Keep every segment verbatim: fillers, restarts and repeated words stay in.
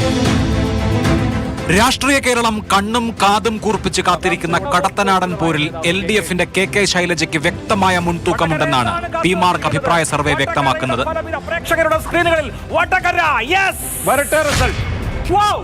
രാഷ്ട്രീയ കേരളം കണ്ണും കാതും കൂർപ്പിച്ച് കാത്തിരിക്കുന്ന കടത്തനാടൻ പോരിൽ എൽ ഡി എഫിന്റെ കെ കെ ശൈലജയ്ക്ക് വ്യക്തമായ മുൻതൂക്കമുണ്ടെന്നാണ് പി മാർക്ക് അഭിപ്രായ സർവേ വ്യക്തമാക്കുന്നത്. പ്രേക്ഷകരുടെ സ്ക്രീനുകളിൽ വടകര യെസ് വരട്ടെ result. Wow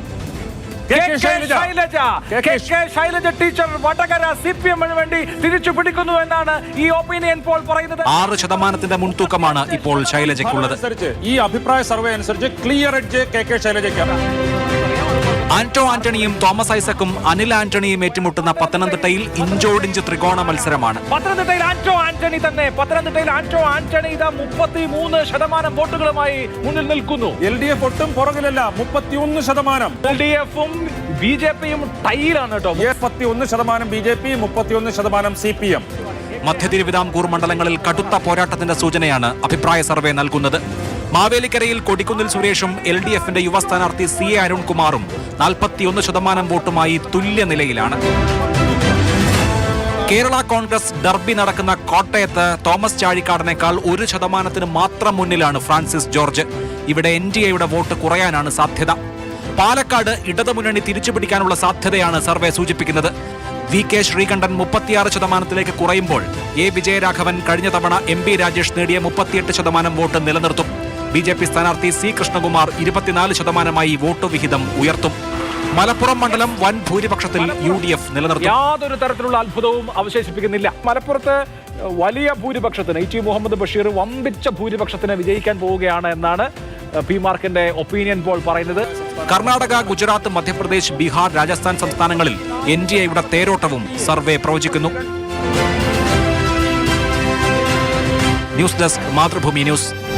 Shailaja teacher Vadakara C P എമ്മിന് വേണ്ടി തിരിച്ചു പിടിക്കുന്നു എന്നാണ് ഈ ഒപ്പീനിയൻ പോൾ പറയുന്നത്. ആറ് ശതമാനത്തിന്റെ മുൻതൂക്കമാണ് ഇപ്പോൾ ശൈലജയ്ക്കുള്ളത്. ഈ അഭിപ്രായ സർവേ അനുസരിച്ച് ക്ലിയർ എഡ്ജ് കെ കെ ശൈലജയ്ക്കാണ്. ആന്റോ ആന്റണിയും തോമസ് ഐസക്കും അനിൽ ആന്റണിയും ഏറ്റുമുട്ടുന്ന പത്തനംതിട്ടയിൽ ഇഞ്ചോടിഞ്ച് ത്രികോണ മത്സരമാണ്. പത്തനംതിട്ടയിൽ ആന്റോ ആന്റണി തന്നെ പത്തനംതിട്ടയിൽ ആന്റോ ആന്റണി ഇതാ മുപ്പത്തിമൂന്ന് ശതമാനം വോട്ടുകളുമായി മുന്നിൽ നിൽക്കുന്നു. എൽ ഡി എഫ് ഒട്ടും പുറകിലല്ല, മുപ്പത്തിയൊന്ന് ശതമാനം. എൽ ഡി എഫും ബി ജെ പിയും ടൈയിലാണ് കേട്ടോ. മുപ്പത്തിയൊന്ന് ശതമാനം ബി ജെ പി, മുപ്പത്തിയൊന്ന് ശതമാനം സി പി എം. മധ്യ തിരുവിതാംകൂർ മണ്ഡലങ്ങളിൽ കടുത്ത പോരാട്ടത്തിന്റെ സൂചനയാണ് അഭിപ്രായ സർവേ നൽകുന്നത്. മാവേലിക്കരയിൽ കൊടിക്കുന്നിൽ സുരേഷും എൽ ഡി എഫിന്റെ യുവ സ്ഥാനാർത്ഥി സി എ അരുൺകുമാറും നാൽപ്പത്തിയൊന്ന് ശതമാനം വോട്ടുമായി തുല്യനിലയിലാണ്. കേരള കോൺഗ്രസ് ഡർബി നടക്കുന്ന കോട്ടയത്ത് തോമസ് ചാഴിക്കാടനേക്കാൾ ഒരു ശതമാനത്തിന് മാത്രം മുന്നിലാണ് ഫ്രാൻസിസ് ജോർജ്. ഇവിടെ എൻ ഡി എയുടെ വോട്ട് കുറയാനാണ് സാധ്യത. പാലക്കാട് ഇടതുമുന്നണി തിരിച്ചുപിടിക്കാനുള്ള സാധ്യതയാണ് സർവേ സൂചിപ്പിക്കുന്നത്. വി കെ ശ്രീകണ്ഠൻ മുപ്പത്തിയാറ് ശതമാനത്തിലേക്ക് കുറയുമ്പോൾ എ വിജയരാഘവൻ കഴിഞ്ഞ തവണ എം പി രാജേഷ് നേടിയ മുപ്പത്തിയെട്ട് ശതമാനം വോട്ട് നിലനിർത്തും. ബി ജെ പി സ്ഥാനാർത്ഥി സി കൃഷ്ണകുമാർ ഇരുപത്തിനാല് ശതമാനമായി വോട്ട് വിഹിതം ഉയർത്തും. മലപ്പുറം മണ്ഡലം വൻ ഭൂരിപക്ഷത്തിൽ യു ഡി എഫ് നിലനിർത്തും. യാതൊരു തരത്തിലുള്ള അത്ഭുതവും അവശേഷിപ്പിക്കുന്നില്ല. മലപ്പുറത്ത് വലിയ ഭൂരിപക്ഷത്തിന് ഇ ടി മുഹമ്മദ് ബഷീർ വമ്പിച്ച ഭൂരിപക്ഷത്തിന് വിജയിക്കാൻ പോവുകയാണ് എന്നാണ് പി മാർക്കിന്റെ ഒപ്പീനിയൻ പോൾ പറയുന്നത്. കർണാടക, ഗുജറാത്ത്, മധ്യപ്രദേശ്, ബീഹാർ, രാജസ്ഥാൻ സംസ്ഥാനങ്ങളിൽ എൻ ഡി എയുടെ തേരോട്ടവും സർവേ പ്രവചിക്കുന്നു. News desk, Mathrubhumi news.